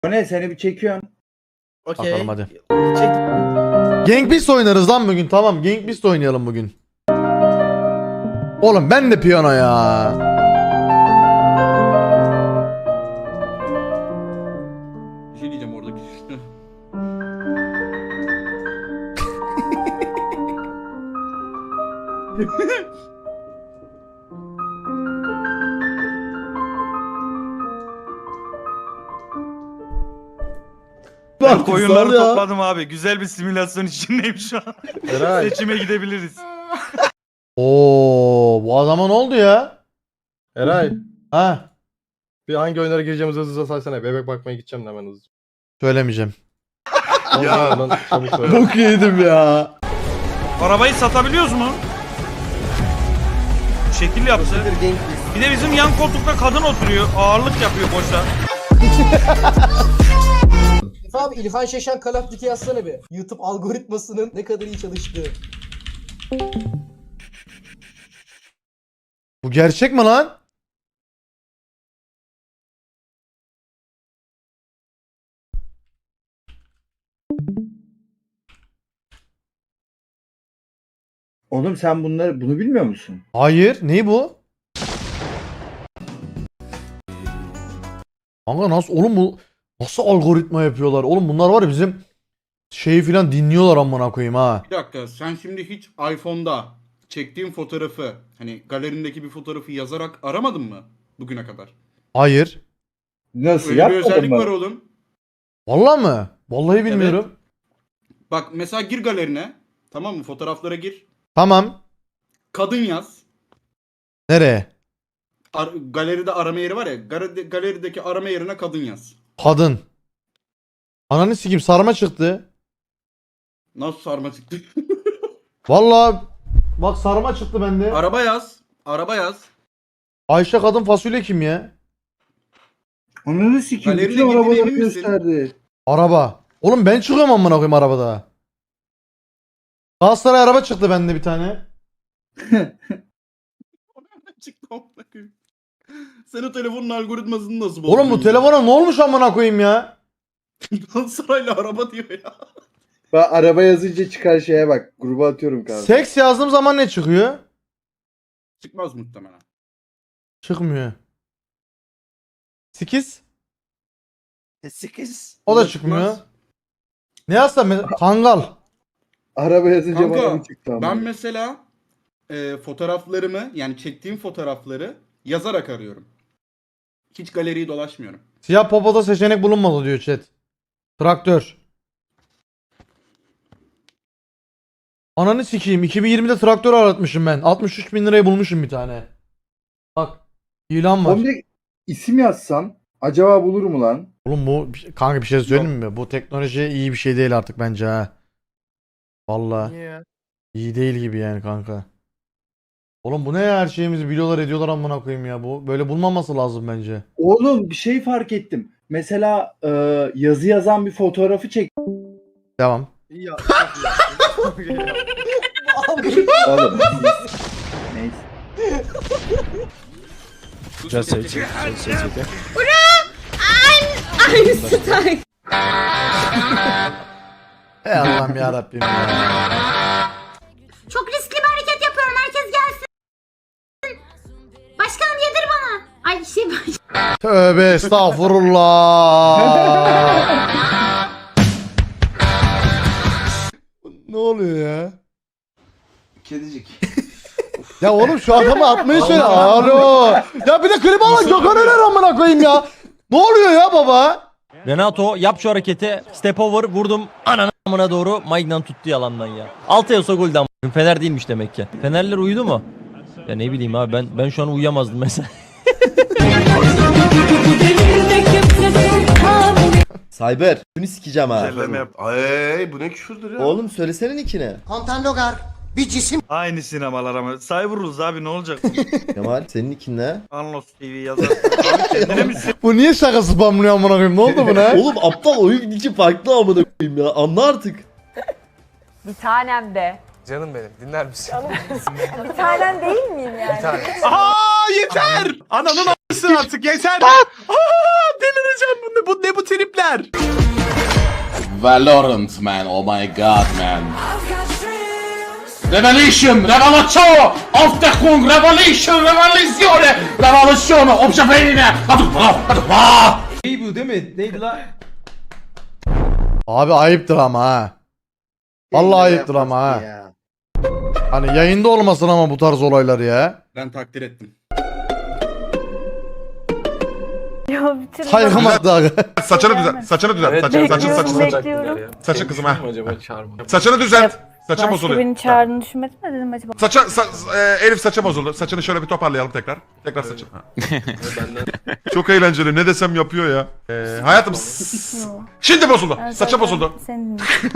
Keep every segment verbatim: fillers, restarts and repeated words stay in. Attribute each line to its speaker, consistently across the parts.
Speaker 1: O ne, seni bir çekiyorsun.
Speaker 2: Okey.
Speaker 3: Bakalım hadi.
Speaker 2: Çek.
Speaker 3: Gang Beast oynarız lan bugün, tamam. Gang Beast oynayalım bugün. Oğlum ben de piyano ya.
Speaker 4: Bir şey diyeceğim oradaki.
Speaker 5: Ben koyunları
Speaker 3: Sal ya.
Speaker 5: topladım abi. Güzel bir simülasyon içindeyim şu an.
Speaker 2: Eray.
Speaker 5: Seçime gidebiliriz.
Speaker 3: Oo, bu adama ne oldu ya?
Speaker 2: Eray.
Speaker 3: Ha,
Speaker 2: Bir hangi oyunlara gireceğimizi hızlıca saysana. Bebek bakmaya gideceğim de hemen hızlıca.
Speaker 3: söylemeyeceğim.
Speaker 2: Ya. Lan, çabuk söyle.
Speaker 3: Bok yedim ya.
Speaker 5: Arabayı satabiliyoruz mu? Şekil yaptı. Bir de bizim yan koltukta kadın oturuyor. Ağırlık yapıyor boşa.
Speaker 6: Abi İlhan Şeşen Call of Duty yazsana bir. YouTube algoritmasının ne kadar iyi çalıştığı.
Speaker 3: Bu gerçek mi lan?
Speaker 1: Oğlum sen bunları bunu bilmiyor musun?
Speaker 3: Hayır, ne bu? Kanka nasıl oğlum bu nasıl algoritma yapıyorlar? Oğlum bunlar var ya bizim şeyi filan dinliyorlar amına koyayım ha.
Speaker 4: Bir dakika, sen şimdi hiç iPhone'da çektiğin fotoğrafı, hani galerindeki bir fotoğrafı yazarak aramadın mı bugüne kadar?
Speaker 3: Hayır.
Speaker 1: Nasıl
Speaker 4: Öyle bir
Speaker 1: yapmadın
Speaker 4: özellik
Speaker 1: mı?
Speaker 4: var oğlum.
Speaker 3: Vallahi mı? Vallahi bilmiyorum.
Speaker 4: Bak mesela gir galerine, tamam mı? Fotoğraflara gir.
Speaker 3: Tamam.
Speaker 4: Kadın yaz.
Speaker 3: Nereye?
Speaker 4: Ar- galeride arama yeri var ya, gar- galerideki arama yerine kadın yaz.
Speaker 3: Kadın. Ananı sikeyim, sarma çıktı.
Speaker 4: Nasıl sarma çıktı?
Speaker 3: Vallahi bak sarma çıktı bende.
Speaker 4: Araba yaz. Araba yaz.
Speaker 3: Ayşe kadın fasulye kim ya?
Speaker 1: Onu sikeyim.
Speaker 4: Galerine
Speaker 1: Bütün
Speaker 4: girdiğine
Speaker 1: arabaları
Speaker 4: emin misin?
Speaker 1: gösterdi.
Speaker 3: Araba. Oğlum ben çıkıyorum amına koyayım arabada. Galatasaray araba çıktı bende bir tane.
Speaker 4: Çıktı amına koyayım. Sen o telefonun algoritmasını nasıl bozdun?
Speaker 3: Oğlum bu telefona ne olmuş amına koyayım ya?
Speaker 4: Galatasaray'la araba diyor ya.
Speaker 1: Ben araba yazınca çıkan şeye bak. Gruba atıyorum kanka.
Speaker 3: Seks yazdığım zaman ne çıkıyor?
Speaker 4: Çıkmaz muhtemelen.
Speaker 3: Çıkmıyor. Sekiz?
Speaker 2: Sekiz.
Speaker 3: O da
Speaker 4: Çıkmaz.
Speaker 3: çıkmıyor. Ne yazsam mes- Kangal.
Speaker 1: Araba yazınca
Speaker 4: Kanka,
Speaker 1: bana mı çıktı ama?
Speaker 4: Ben mesela e, fotoğraflarımı, yani çektiğim fotoğrafları yazarak arıyorum. Hiç galeriyi dolaşmıyorum.
Speaker 3: Siyah popoda seçenek bulunmadı diyor chat. Traktör. Ananı sikeyim. iki bin yirmide traktör aratmışım ben. altmış üç bin liraya bulmuşum bir tane. Bak. İlan var.
Speaker 1: Oğlum bir isim yazsam acaba bulur mu lan?
Speaker 3: Oğlum bu kanka bir şey söyleyeyim mi? Bu teknoloji iyi bir şey değil artık bence ha. Vallahi
Speaker 2: Niye ya?
Speaker 3: iyi değil gibi yani kanka. Oğlum bu ne ya, her şeyimizi biliyorlar ediyorlar amına koyayım ya, bu böyle bulmaması lazım bence.
Speaker 1: Oğlum bir şey fark ettim. Mesela e, yazı yazan bir fotoğrafı çek.
Speaker 3: Devam.
Speaker 2: İyi ya.
Speaker 1: Oğlum. Neyse.
Speaker 7: Just say it. Just say it. Okay?
Speaker 8: Einstein.
Speaker 3: Ey Allah'ım ya Rabbim ya.
Speaker 8: Çok riskli bir hareket yapıyorum. Herkes gelsin. Başkanım yedir bana. Ay şey baş...
Speaker 3: Tövbe estağfurullah. Ne oluyor ya?
Speaker 2: Kedicik.
Speaker 3: Ya oğlum şu adamı atmayı söyle. Alo. Ya bir de klip alın Gökhan Öner amına koyayım ya. Ne oluyor ya baba?
Speaker 7: Renato yap şu hareketi. Step over vurdum. Ananı amına doğru. Maignan tuttu yalandan ya. Altı Yasa golden a**. Fener değilmiş demek ki. Fenerler uyudu mu? Ya ne bileyim abi, ben ben şu an uyuyamazdım mesela.
Speaker 9: Cyber. Bunu sikeceğim ha.
Speaker 5: Güzelleme yap.
Speaker 2: Ay bu ne küfürdür ya?
Speaker 9: Oğlum söylesene nickini.
Speaker 6: Kontan Logar bir cisim.
Speaker 5: Aynı sinemalar ama. Cyberus abi ne olacak?
Speaker 9: Kemal senin nickin ne?
Speaker 5: Anlos T V yazar. Abi kendine mi
Speaker 3: Bu niye şaka spamlıyor amına koyayım? Ne oldu buna?
Speaker 9: Oğlum aptal oyun nicki farklı amına koyayım ya. Anla artık.
Speaker 8: Bir tanem de.
Speaker 2: Canım benim dinler misin?
Speaker 8: Bir tanem değil miyim yani?
Speaker 2: Bir tane.
Speaker 5: Aa yeter! Ananın artık yeter. Delireceğim bu ne bu ne bu tripler.
Speaker 10: Valorant man, oh my god man. Revelation, revelation, of the Kung, revelation, revoluzione, revoluzione, observene,
Speaker 5: İyi bu değil mi? Neydi la?
Speaker 3: Abi ayıptır ama ha. Vallahi ayıptır ama ha. Hani yayında olmasın ama bu tarz olaylar ya.
Speaker 4: Ben takdir ettim.
Speaker 3: Saygım hakkı abi.
Speaker 11: Saçını düzelt. Saçını düzelt. Saçını saçını saçını saçını. Saçın kızım ha. Saçını düzelt. Saçın bozuluyor.
Speaker 8: beni çağırdığını düşünmedin mi dedim acaba?
Speaker 11: Saça sa- e, Elif saça bozuldu. Saçını şöyle bir toparlayalım tekrar. Tekrar saçını. Ha. Çok eğlenceli. Ne desem yapıyor ya. Ee, hayatım s- şimdi bozuldu. Saça bozuldu.
Speaker 8: Senin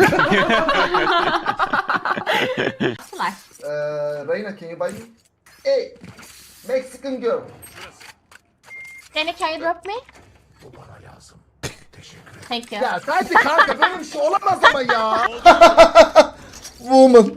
Speaker 6: Reyna, can you buy me? Hey, Mexican girl.
Speaker 8: Seni can you drop me? Bu bana lazım. Teşekkür ederim. Thank you.
Speaker 6: Ya sadece kanka böyle bir şey olamaz ama ya.
Speaker 3: Woman.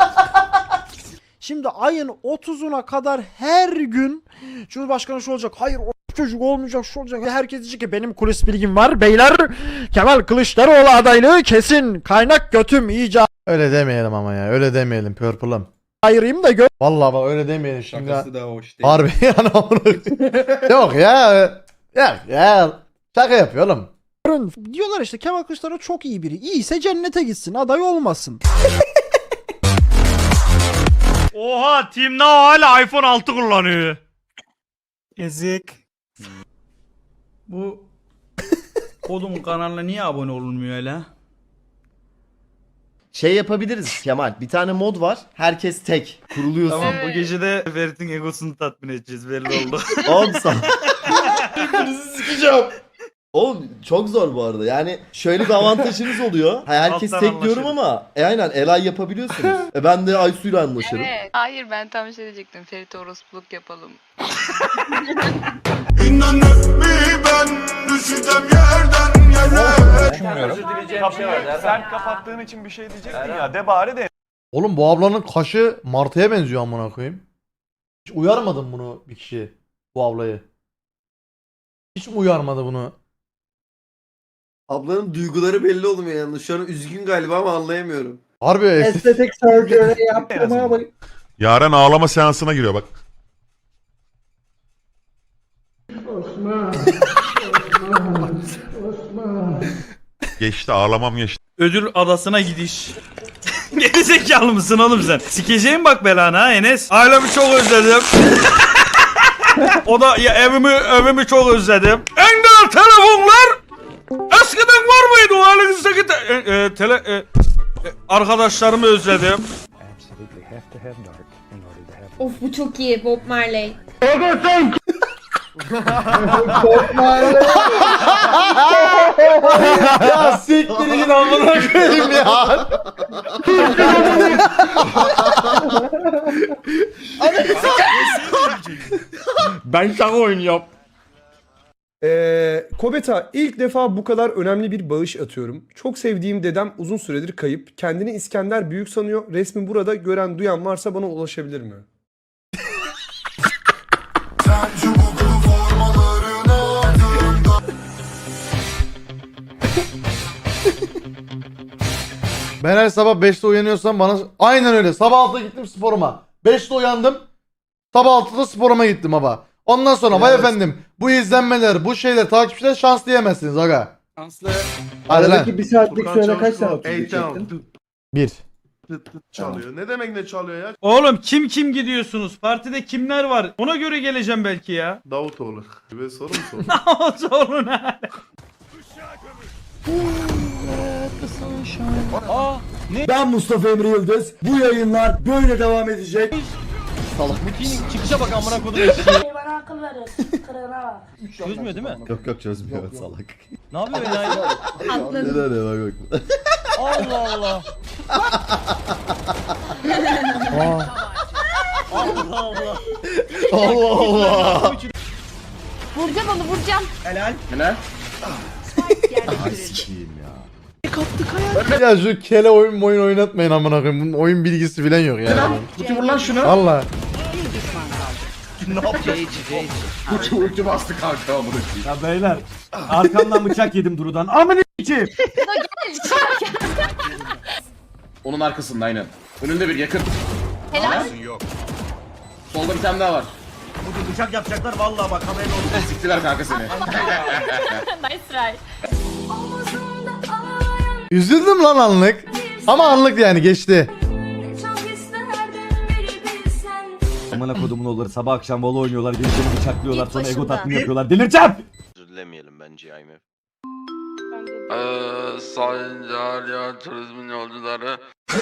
Speaker 12: Şimdi ayın otuzuna kadar her gün Cumhurbaşkanı şu olacak. Hayır o çocuk olmayacak, şu olacak. Herkes diyecek ki benim kulis bilgim var. Beyler Kemal Kılıçdaroğlu adaylığı kesin. Kaynak götüm iyice
Speaker 3: Öyle demeyelim ama ya. Öyle demeyelim Purple'ım.
Speaker 12: ayırayım da gör.
Speaker 3: Vallahi bak öyle demeyelim şimdi.
Speaker 4: Şakası da hoş değil.
Speaker 3: Harbi yani onu. Yok ya. Yok ya. Şaka yapıyor oğlum.
Speaker 12: Diyorlar işte Kemal Kılıçdaroğlu çok iyi biri. İyiyse cennete gitsin, aday olmasın.
Speaker 5: Oha Team Now hala iPhone altı kullanıyor. Yazık. Bu kodumun kanalına niye abone olunmuyor hala?
Speaker 9: Şey yapabiliriz Kemal. Bir tane mod var. Herkes tek. Kuruluyorsun.
Speaker 5: Tamam bu gece de Ferit'in egosunu tatmin edeceğiz belli oldu.
Speaker 9: Oğlum sen. Birbirinizi sikeceğim. Oğlum çok zor bu arada. Yani şöyle bir avantajınız oluyor. Ha, herkes
Speaker 5: Alttan
Speaker 9: tek diyorum
Speaker 5: anlaşırız.
Speaker 9: ama e aynen Elay yapabiliyorsunuz. E ben de Aysu'yla anlaşırım.
Speaker 8: Evet. Hayır ben tam şey diyecektim. Ferit orospuluk yapalım.
Speaker 5: Sen kapattığın için bir şey diyecektin ya de bari de.
Speaker 3: Oğlum bu ablanın kaşı martıya benziyor amına koyayım. Hiç uyarmadın bunu bir kişi. Bu ablayı. Hiç mi uyarmadı bunu?
Speaker 10: Ablanın duyguları belli olmuyor yalnız. Şu an üzgün galiba ama anlayamıyorum.
Speaker 3: Harbi estetik.
Speaker 1: Estetik surgery yaptırmaya bak.
Speaker 11: Yaren ağlama seansına giriyor bak. Geçti ağlamam geçti.
Speaker 5: Ödül adasına gidiş. Gerizekalı mısın oğlum sen? Sikeceğim bak belana ha Enes. Ailemi çok özledim. O da ya evimi evimi çok özledim. En değerli telefonlar eskiden var mıydı o halinizdeki te, e, e, tele e, e, arkadaşlarımı özledim.
Speaker 8: Of bu çok iyi Bob Marley.
Speaker 3: Ya siktir git amına koyayım ya.
Speaker 2: Ben sana oynuyorum.
Speaker 12: Ee, Kobeta ilk defa bu kadar önemli bir bağış atıyorum. Çok sevdiğim dedem uzun süredir kayıp. Kendini İskender Büyük sanıyor. Resmi burada gören duyan varsa bana ulaşabilir mi?
Speaker 3: Ben her sabah beşte uyanıyorsam bana aynen öyle. Sabah altıda gittim sporuma. beşte uyandım. Sabah altıda sporuma gittim baba. Ondan sonra vay efendim bu izlenmeler, bu şeyler, takipçiler şans diyemezsiniz aga.
Speaker 4: Şanslı.
Speaker 3: Hadi lan.
Speaker 1: Aradaki bir saatlik süre kaç tane otuz çektin?
Speaker 3: Bir.
Speaker 2: Çalıyor. Ne demek ne çalıyor ya?
Speaker 5: Oğlum kim kim gidiyorsunuz? Partide kimler var? Ona göre geleceğim belki ya.
Speaker 2: Davutoğlu. Ve soru mu soru?
Speaker 5: Sorun ha.
Speaker 12: Ben Mustafa Emre Yıldız. Bu yayınlar böyle devam edecek.
Speaker 7: Çıkışa bak amına kodum.
Speaker 8: Bana akıl verin. Kırına.
Speaker 7: Çözmüyor değil mi?
Speaker 9: Yok yok çözmüyor salak.
Speaker 7: Ne yapıyor enayi?
Speaker 8: Atladım.
Speaker 9: Ne ne bak bak.
Speaker 7: Allah Allah. Allah Allah.
Speaker 3: Allah Allah.
Speaker 8: Vuracağım onu vuracağım.
Speaker 3: Ya şu kele oyun oyun oynatmayın amına koyayım. Bunun oyun bilgisi falan yok yani.
Speaker 4: Kutu vur lan şunu.
Speaker 3: Valla.
Speaker 9: ne yapacağız?
Speaker 10: Uç uç bastı kanka amına koyayım.
Speaker 12: Ya beyler arkamdan bıçak yedim Duru'dan. Amına içeyim.
Speaker 10: Onun arkasında aynen. Önünde bir yakın.
Speaker 8: Helal.
Speaker 10: Solda bir tane daha var.
Speaker 5: Bugün bıçak yapacaklar vallahi bak haberin olsun.
Speaker 10: Siktiler kanka seni.
Speaker 8: Nice try.
Speaker 3: Üzüldüm lan anlık. Ama anlık yani geçti.
Speaker 12: Amına kodumun oğulları sabah akşam vola oynuyorlar. Gençleri bıçaklıyorlar sonra ego tatmin yapıyorlar. Delireceğim.
Speaker 13: Özür dilemeyelim bence I M F.
Speaker 2: Eee Sayın Cahiliye Turizmin yolcuları.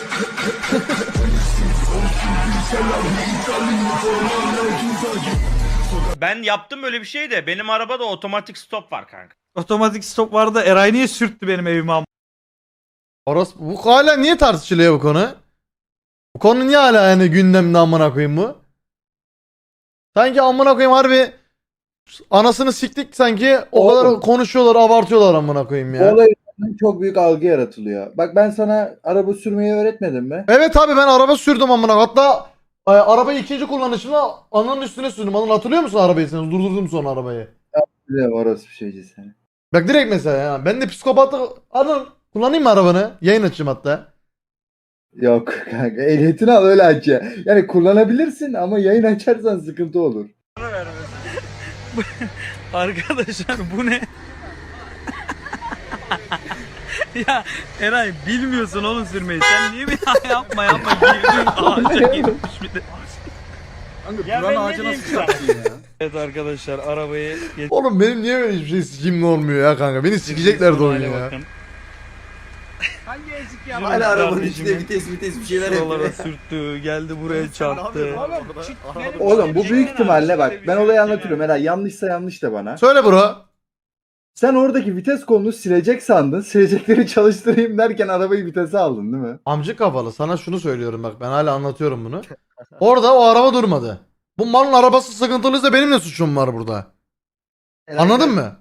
Speaker 5: Ben yaptım öyle bir şey de benim arabada otomatik stop var kanka. Otomatik stop vardı. Eray niye sürttü benim evime am-
Speaker 3: Orası bu hala niye tartışılıyor bu konu? Bu konu niye hala yani gündemde amına koyayım bu? Sanki amına koyayım harbi anasını siktik sanki o
Speaker 1: Oğlum.
Speaker 3: kadar konuşuyorlar abartıyorlar amına koyayım
Speaker 1: Bu
Speaker 3: ya.
Speaker 1: olay yüzünden çok büyük algı yaratılıyor. Bak ben sana araba sürmeyi öğretmedim mi?
Speaker 3: Evet abi ben araba sürdüm amına hatta e, arabayı ikinci kullanışımda ananın üstüne sürdüm. Anıl hatırlıyor musun arabayı sen? Durdurdum sonra arabayı.
Speaker 1: Biliyorum orası bir şeyci seni.
Speaker 3: Bak direkt mesela ya ben de psikopatlık Anıl kullanayım mı arabanı? Yayın açayım hatta.
Speaker 1: Yok kanka ehliyetini al öyle aç ya. Yani kullanabilirsin ama yayın açarsan sıkıntı olur.
Speaker 5: Arkadaşlar bu ne? Ya Eray bilmiyorsun oğlum sürmeyi. Sen niye bir daha yapma yapma girdin ağaca girmiş bir de. Ya ben ne diyeyim ki sana? Evet arkadaşlar arabayı geç.
Speaker 3: Oğlum benim niye böyle hiçbir şey sikimli olmuyor ya kanka? Beni sikecekler de oyunu ya.
Speaker 5: Hangi ezik ya?
Speaker 9: Hala arabanın içinde vites vites bir şeyler
Speaker 5: Şuralara
Speaker 9: yapıyor.
Speaker 5: sürttü, geldi buraya çarptı.
Speaker 1: Oğlum bu büyük ihtimalle bak ben olayı anlatıyorum. Herhalde yanlışsa yanlış da bana.
Speaker 3: Söyle bro.
Speaker 1: Sen oradaki vites kolunu silecek sandın. Silecekleri çalıştırayım derken arabayı vitese aldın değil mi?
Speaker 3: Amcık kafalı sana şunu söylüyorum bak ben hala anlatıyorum bunu. Orada o araba durmadı. Bu malın arabası sıkıntılıysa benim ne suçum var burada? Anladın mı?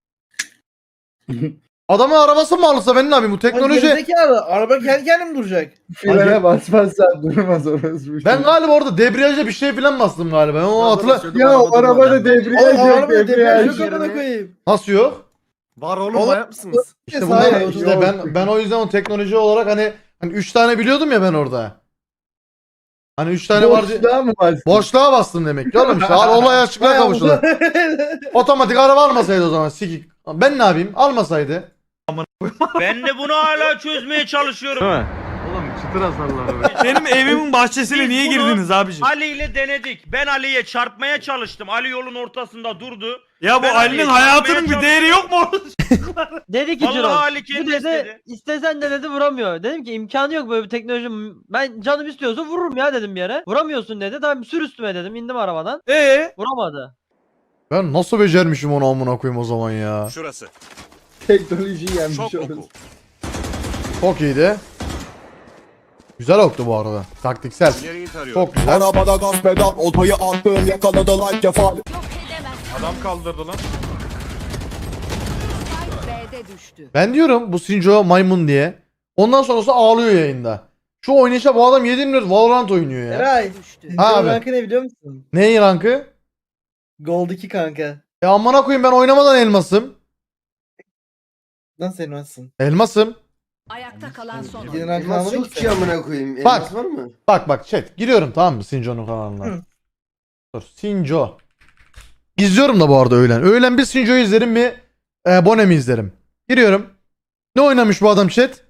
Speaker 3: Adamın arabası mı alırsa ben ne yapayım bu teknoloji...
Speaker 6: Araba kendi kendine mi duracak?
Speaker 1: Frene basmazsan durmaz orası.
Speaker 3: Ben galiba orada debriyaja bir şey falan bastım galiba. Ben o hatırla...
Speaker 1: Ya o arabada debriyaj yok. Debriyaj yok.
Speaker 6: koyayım.
Speaker 3: Nasıl yok?
Speaker 10: Var oğlum manyak mısınız?
Speaker 3: İşte, bu
Speaker 1: Hayır,
Speaker 3: ne? işte
Speaker 1: yok.
Speaker 3: ben ben o yüzden o teknoloji olarak hani hani üç tane biliyordum ya ben orada. Hani üç tane vardı.
Speaker 1: Boşluğa mı bastın?
Speaker 3: Boşluğa bastım demek ki oğlum işte. Al- Olay açıklığa kavuştu. Otomatik araba almasaydı o zaman sikik. Ben ne yapayım? Almasaydı.
Speaker 5: Ben de bunu hala çözmeye çalışıyorum.
Speaker 2: Oğlum çıtır hasarlar.
Speaker 5: Benim evimin bahçesine
Speaker 6: Biz
Speaker 5: niye
Speaker 6: bunu-
Speaker 5: girdiniz abiciğim?
Speaker 6: Ali ile denedik. Ben Ali'ye çarpmaya çalıştım. Ali yolun ortasında durdu.
Speaker 5: Ya bu
Speaker 6: Ben
Speaker 5: Ali'nin
Speaker 6: Ali'ye
Speaker 5: hayatının
Speaker 6: çarpmaya
Speaker 5: bir değeri yok mu?
Speaker 7: Dedi ki
Speaker 6: Vallahi
Speaker 7: Ciro.
Speaker 6: Ali kendi
Speaker 7: Bu dedi
Speaker 6: istedi.
Speaker 7: istesen de dedi vuramıyor. Dedim ki imkanı yok böyle bir teknoloji. Ben canım istiyorsa vururum ya dedim bir yere. Vuramıyorsun dedi. Tamam sür üstüme dedim. İndim arabadan.
Speaker 5: Ee?
Speaker 7: Vuramadı.
Speaker 3: Ben nasıl becermişim onu amına koyayım o zaman ya.
Speaker 10: Şurası.
Speaker 1: Teknolojiyi yenmiş orası.
Speaker 3: Çok iyiydi. Güzel oktu bu arada. Taktiksel.
Speaker 10: Nereyi tarıyor?
Speaker 3: Çok güzel.
Speaker 10: Arabada gaz pedal, otoyu attım, yakaladı like kefal.
Speaker 2: Adam kaldırdı lan.
Speaker 3: Ben diyorum bu Sinjo maymun diye. Ondan sonrası ağlıyor yayında. Şu oynayışa bu adam yedi milyon Valorant oynuyor ya.
Speaker 6: Eray.
Speaker 3: Ha abi.
Speaker 6: Rankı ne biliyor musun?
Speaker 3: Neyin rankı?
Speaker 6: Gold iki kanka.
Speaker 3: Ya amına koyayım ben oynamadan elmasım.
Speaker 6: Nasıl elmasın?
Speaker 3: Elmasım.
Speaker 8: Ayakta kalan son.
Speaker 6: Yine rankı almadın ki.
Speaker 9: amına koyayım.
Speaker 3: Bak.
Speaker 9: Elmas var mı?
Speaker 3: Bak bak chat giriyorum tamam mı Sinjo'nun kanalına.
Speaker 6: Hı.
Speaker 3: Dur Sinjo. İzliyorum da bu arada öğlen. Öğlen bir Sinjo'yu izlerim bir e, Bonem'i izlerim. Giriyorum. Ne oynamış bu adam chat?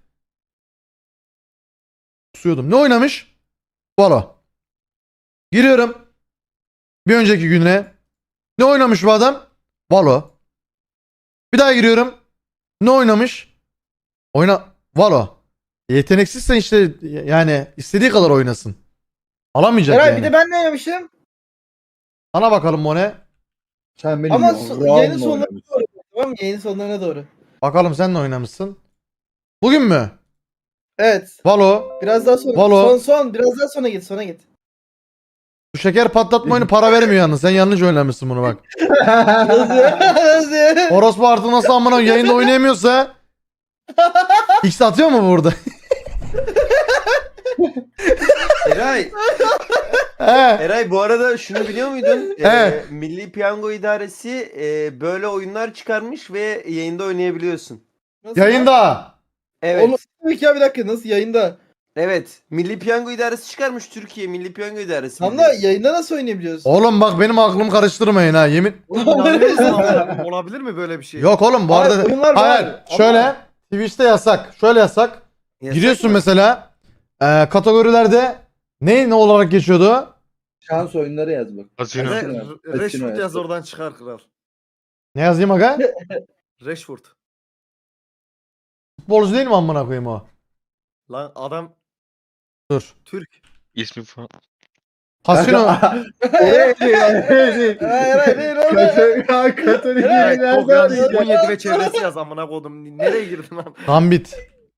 Speaker 3: Kusuyordum. Ne oynamış? Valo. Giriyorum. Bir önceki güne. Ne oynamış bu adam? Valo. Bir daha giriyorum. Ne oynamış? Oyna Valo. Yeteneksizsen işte yani istediği kadar oynasın. Alamayacak
Speaker 6: Eray
Speaker 3: yani.
Speaker 6: bir de ben ne oynamışım?
Speaker 3: Ana bakalım o ne?
Speaker 1: Sen benim
Speaker 6: Ama
Speaker 1: ya-
Speaker 6: so-
Speaker 1: Raul'la
Speaker 6: yayının sonlarına
Speaker 1: oynamışsın.
Speaker 6: doğru. Tamam mı? Yayının sonlarına doğru.
Speaker 3: Bakalım sen ne oynamışsın? Bugün mü?
Speaker 6: Evet.
Speaker 3: Valo.
Speaker 6: Biraz daha sonra.
Speaker 3: Valo.
Speaker 6: Son son. Biraz daha sonra git. Sonra git.
Speaker 3: Bu şeker patlatma oyunu para vermiyor yalnız. Sen yanlış oynamışsın bunu bak.
Speaker 6: Nasıl ya? Nasıl ya?
Speaker 3: Orospu artık nasıl amına yayında oynayamıyorsa X atıyor mu burada?
Speaker 9: Eray.
Speaker 3: He.
Speaker 9: Eray bu arada şunu biliyor muydun?
Speaker 3: Evet.
Speaker 9: Ee, Milli Piyango İdaresi e, böyle oyunlar çıkarmış ve yayında oynayabiliyorsun.
Speaker 3: Yayında.
Speaker 9: Evet.
Speaker 2: Oğlum tabii ki ya bir dakika nasıl yayında?
Speaker 9: Evet. Milli Piyango İdaresi çıkarmış Türkiye Milli Piyango İdaresi.
Speaker 2: Tam da yayında nasıl oynayabiliyorsun?
Speaker 3: Oğlum bak benim aklımı karıştırmayın ha yemin.
Speaker 2: Olabilir mi böyle bir şey?
Speaker 3: Yok oğlum bu
Speaker 2: Hayır,
Speaker 3: arada.
Speaker 2: oyunlar
Speaker 3: Hayır.
Speaker 2: var ama-
Speaker 3: Şöyle Twitch'te yasak. Şöyle yasak.
Speaker 9: Yasak
Speaker 3: Giriyorsun
Speaker 9: mı?
Speaker 3: mesela. E, kategorilerde ne ne olarak geçiyordu?
Speaker 1: Şans oyunları yaz bak.
Speaker 11: Casino.
Speaker 1: Rashford yaz
Speaker 2: oradan çıkar kral.
Speaker 3: Ne yazayım aga?
Speaker 2: Rashford.
Speaker 3: Futbolcu değil mi amına koyayım o?
Speaker 2: Lan adam
Speaker 3: Dur.
Speaker 2: Türk.
Speaker 13: İsmi falan.
Speaker 3: Kasino.
Speaker 1: Oraya değil, oraya değil.
Speaker 2: Hayır değil oğlum.
Speaker 1: Katolik, Katolik
Speaker 2: Evet,
Speaker 1: nereden
Speaker 2: çok yanlış.
Speaker 1: diyeceğim?
Speaker 2: on yedi ve çevresi yaz amına koydum. Nereye girdin lan?
Speaker 3: Gambit.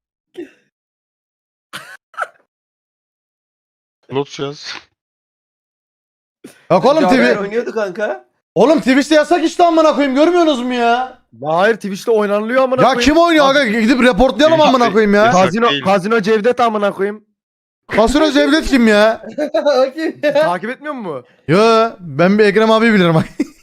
Speaker 13: Lotus yaz.
Speaker 3: Yok oğlum
Speaker 9: Caner
Speaker 3: T V.
Speaker 9: oynuyordu kanka.
Speaker 3: Oğlum Twitch'te yasak işte amına koyayım görmüyorsunuz mu ya?
Speaker 2: Hayır Twitch'te oynanılıyor amına
Speaker 3: Ya kim oynuyor aga gidip reportlayalım amına koyayım ya.
Speaker 13: Yasak
Speaker 2: Kazino,
Speaker 13: değil.
Speaker 2: Kazino Cevdet amına koyayım.
Speaker 3: Kasino Cevdet kim ya?
Speaker 2: Takip etmiyor mu?
Speaker 3: Yo ben bir Ekrem abi bilirim.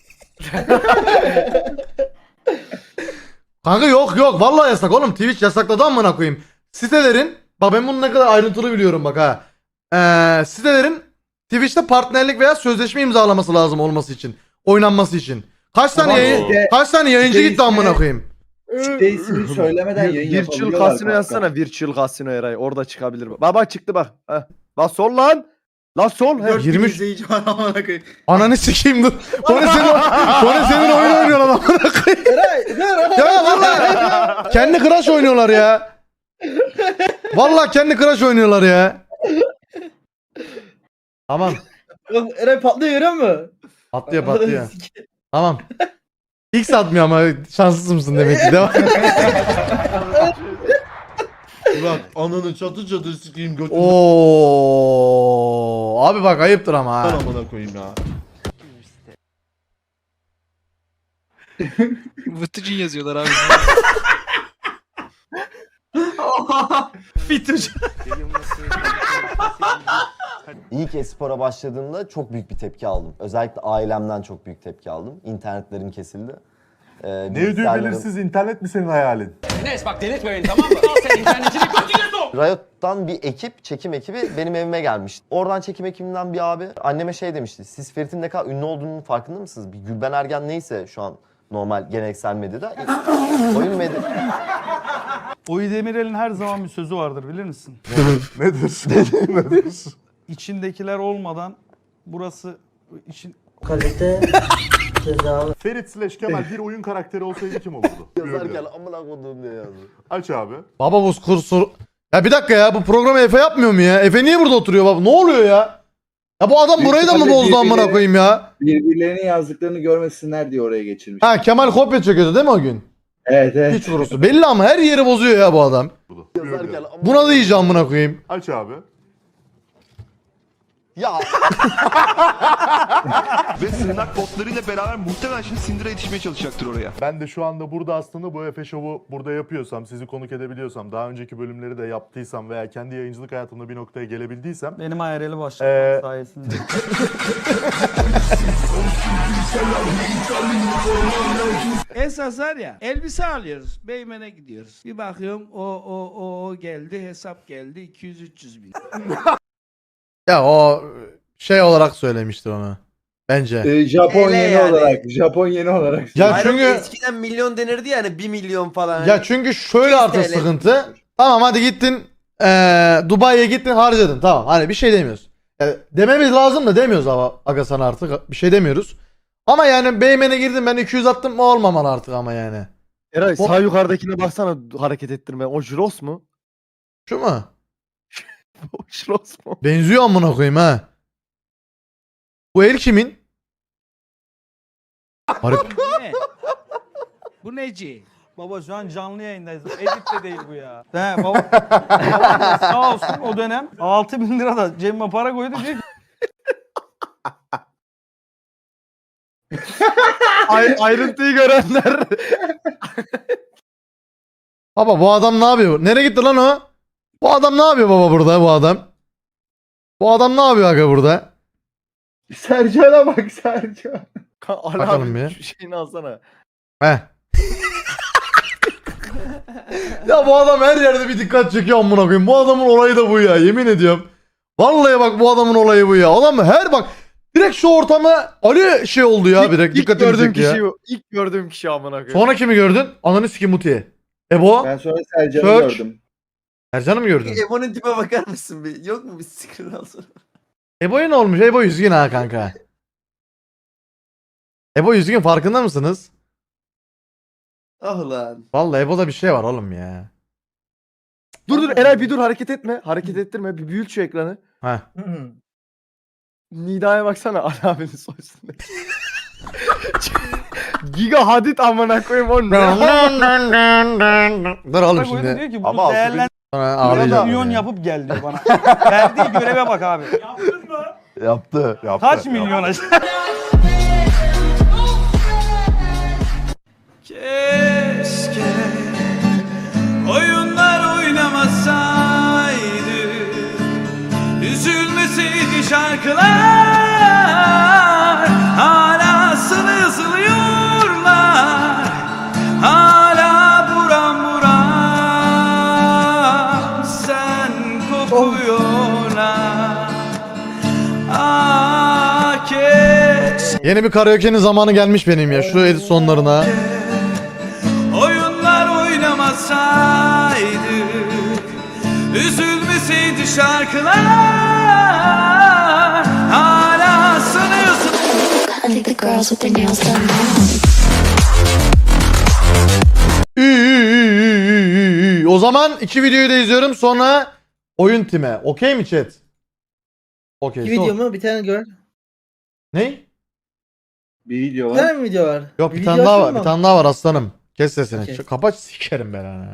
Speaker 3: Kanka yok yok vallahi yasak oğlum Twitch yasakladı amına koyayım. Sitelerin bak ben bunu ne kadar ayrıntılı biliyorum bak ha. Ee, sitelerin Twitch'te partnerlik veya sözleşme imzalaması lazım olması için. Oynanması için. Kaç tane
Speaker 1: Tamam,
Speaker 3: yayın,
Speaker 1: işte-
Speaker 3: kaç tane yayıncı
Speaker 1: işte
Speaker 3: gitti amına
Speaker 1: ismi-
Speaker 3: koyayım.
Speaker 1: İşte ismini söylemeden yayın
Speaker 2: Virtual
Speaker 1: yapabiliyorlar.
Speaker 2: Casino
Speaker 1: kanka.
Speaker 2: yazsana. Virtual Casino Eray. Orada çıkabilir. Bak bak çıktı bak. Heh. Lan sol lan. Lan sol. Heh.
Speaker 3: yirmi
Speaker 4: yirmi
Speaker 3: üç
Speaker 4: izleyici var amına koyayım.
Speaker 3: Ananı sikeyim dur. Kone senin, Kone senin oyun oynuyorlar amına koyayım. Ya vallahi kendi Crash oynuyorlar ya. Vallahi kendi Crash oynuyorlar ya. Tamam.
Speaker 2: Eray patlıyor görüyor musun?
Speaker 3: Patlıyor patlıyor. Tamam. X atmıyor ama şanssız mısın demek ki. Devam.
Speaker 9: Burak ananı çatı çatı sikeyim götünü
Speaker 3: Oo, abi bak ayıptır ama ha.
Speaker 9: amına koyayım ya.
Speaker 5: Vıtıcın yazıyorlar abi. Fitucu.
Speaker 9: İlk espora başladığımda çok büyük bir tepki aldım. Özellikle ailemden çok büyük tepki aldım. İnternetlerim kesildi. Ee,
Speaker 11: Ne ödül belirsiz internet mi senin hayalin?
Speaker 10: Enes bak delirtme beni tamam mı? Al sen internetini götüne sok.
Speaker 9: Riot'tan bir ekip, çekim ekibi benim evime gelmişti. Oradan çekim ekibinden bir abi anneme şey demişti. Siz Ferit'in ne kadar ünlü olduğunun farkında mısınız? Bir Gülben Ergen neyse şu an normal geleneksel medyada. Oyun medya...
Speaker 5: Oyu Demirel'in her zaman bir sözü vardır bilir misin?
Speaker 11: Nedir? Nedir?
Speaker 5: İçindekiler olmadan burası için
Speaker 11: Ferit slash Kemal bir oyun karakteri olsaydı kim olurdu?
Speaker 9: Yazarken amına koduğum diye yazdı.
Speaker 11: Aç abi.
Speaker 3: Baba bu kursur. Ya bir dakika ya bu programı Efe yapmıyor mu ya? Efe niye burada oturuyor baba? Ne oluyor ya? Ya bu adam burayı da mı bozdu amına koyayım ya?
Speaker 1: Birbirlerinin yazdıklarını görmesinler diye oraya geçirmiş.
Speaker 3: Ha Kemal kopya çekiyordu değil mi o gün?
Speaker 1: Evet evet.
Speaker 3: Hiç vurusu. Belli ama her yeri bozuyor ya bu adam.
Speaker 9: Yazarken amına...
Speaker 3: Buna da iyice amına koyayım.
Speaker 11: Aç abi.
Speaker 9: Ya
Speaker 10: Ve sığınak botlarıyla beraber muhtemelen şimdi Syndra'ya yetişmeye çalışacaktır oraya.
Speaker 11: Ben de şu anda burada aslında bu Efe Show'u burada yapıyorsam, sizi konuk edebiliyorsam, daha önceki bölümleri de yaptıysam veya kendi yayıncılık hayatımda bir noktaya gelebildiysem
Speaker 5: benim hayaleli
Speaker 11: Ee,
Speaker 5: başladım sayesinde. Esas var ya elbise alıyoruz. Beymen'e gidiyoruz. Bir bakıyorum o o o, o geldi hesap geldi iki yüz üç yüz bin.
Speaker 3: Ya o şey olarak söylemiştir onu. Bence.
Speaker 1: Ee, Japon
Speaker 9: Hele
Speaker 1: yeni
Speaker 9: yani.
Speaker 1: olarak. Japon yeni olarak.
Speaker 3: Ya
Speaker 9: Hayır,
Speaker 3: çünkü
Speaker 9: eskiden milyon denirdi yani bir milyon falan.
Speaker 3: ya çünkü şöyle artık
Speaker 9: T L.
Speaker 3: sıkıntı. Tamam hadi gittin eee Dubai'ye gittin harcadın. Tamam hani bir şey demiyoruz. Yani dememiz lazım da demiyoruz ama aga sana artık bir şey demiyoruz. Ama yani Beymen'e girdim ben iki yüz attım mı olmamalı artık ama yani.
Speaker 2: Eray sağ yukarıdakine baksana hareket ettirme. O Jiros mu?
Speaker 3: Şu mu?
Speaker 2: O Jiros mu?
Speaker 3: Benziyor amına koyayım ha. Bu el kimin? Harip.
Speaker 5: Bu ne? Bu neci? Baba şu an canlı yayındayız. Edit de değil bu ya. He baba. baba sağ olsun o dönem altı bin lira da cebime para koydu diyor ki
Speaker 2: Ay, ayrıntıyı görenler.
Speaker 3: Baba bu adam ne yapıyor? Nereye gitti lan o? Bu adam ne yapıyor baba burada bu adam? Bu adam ne yapıyor aga burada?
Speaker 1: Sercan'a bak Sercan.
Speaker 2: Ali
Speaker 3: Bakalım
Speaker 2: abi
Speaker 3: bir.
Speaker 2: şu şeyini alsana.
Speaker 3: Heh. Ya bu adam her yerde bir dikkat çekiyor amına koyayım. Bu adamın olayı da bu ya, yemin ediyorum. Vallahi bak bu adamın olayı bu ya. Adam her bak direkt şu ortama Ali şey oldu ya, direkt
Speaker 2: İlk
Speaker 3: dikkatimi
Speaker 2: gördüğüm
Speaker 3: çekti ya.
Speaker 2: kişi bu. İlk gördüğüm kişi amına koyayım.
Speaker 3: Sonra kimi gördün? Ananı sikim Muti'ye. Ebo?
Speaker 1: Ben sonra Sercan'ı
Speaker 3: Search.
Speaker 1: gördüm.
Speaker 3: Ercan'ı mı gördün?
Speaker 9: Ebo'nun tipe bakar mısın bir? Yok mu bir screen alsana?
Speaker 3: Ebo'ya ne olmuş? Ebo üzgün ha kanka. Ebo üzgün, farkında mısınız?
Speaker 9: Ah lan.
Speaker 3: Vallahi Ebo'da bir şey var oğlum ya.
Speaker 2: Dur dur Eray bir dur, hareket etme. Hareket ettirme. Bir büyült şu ekranı.
Speaker 3: Heh.
Speaker 2: Nida'ya baksana Ali abinin soy üstünde. Giga Hadid amına koyayım onu.
Speaker 3: Dur oğlum
Speaker 5: Bak oyunda
Speaker 3: şimdi.
Speaker 5: diyor ki
Speaker 9: Ama
Speaker 5: bunu
Speaker 9: altı bin-
Speaker 5: değerlendir.
Speaker 3: Sonra ağlayacağım.
Speaker 5: Milyon
Speaker 3: ya.
Speaker 5: yapıp gel diyor bana. Verdiği göreve bak abi.
Speaker 9: Yaptı. Yaptı.
Speaker 5: Kaç milyon acaba? Keşke oyunlar oynamasaydı, üzülmeseydi şarkılar, hala sızlıyorlar, hala buram buram sen kokuyorlar. Ah keşke
Speaker 3: Yeni bir karaoke'nin zamanı gelmiş benim ya. Şu edit sonlarına.
Speaker 5: oyunlar oynamasaydık, üzülmeseydi şarkılar, hala sanıyorsun.
Speaker 3: Ü, ü, ü, ü, ü, ü. O zaman iki videoyu da izliyorum, sonra oyun time. Okey mi chat? Okey.
Speaker 6: Bir
Speaker 3: son-
Speaker 6: video mu? Bir tane gör.
Speaker 3: Ne?
Speaker 1: Bir video
Speaker 6: Bir
Speaker 1: var.
Speaker 6: tane mi video var?
Speaker 3: Yok bir
Speaker 6: Bir
Speaker 3: tane
Speaker 6: video
Speaker 3: daha
Speaker 6: açayım
Speaker 3: var. Bir
Speaker 6: mı?
Speaker 3: tane daha var aslanım. Kes sesini.
Speaker 6: Okey.
Speaker 3: Kapat sikerim ben ha.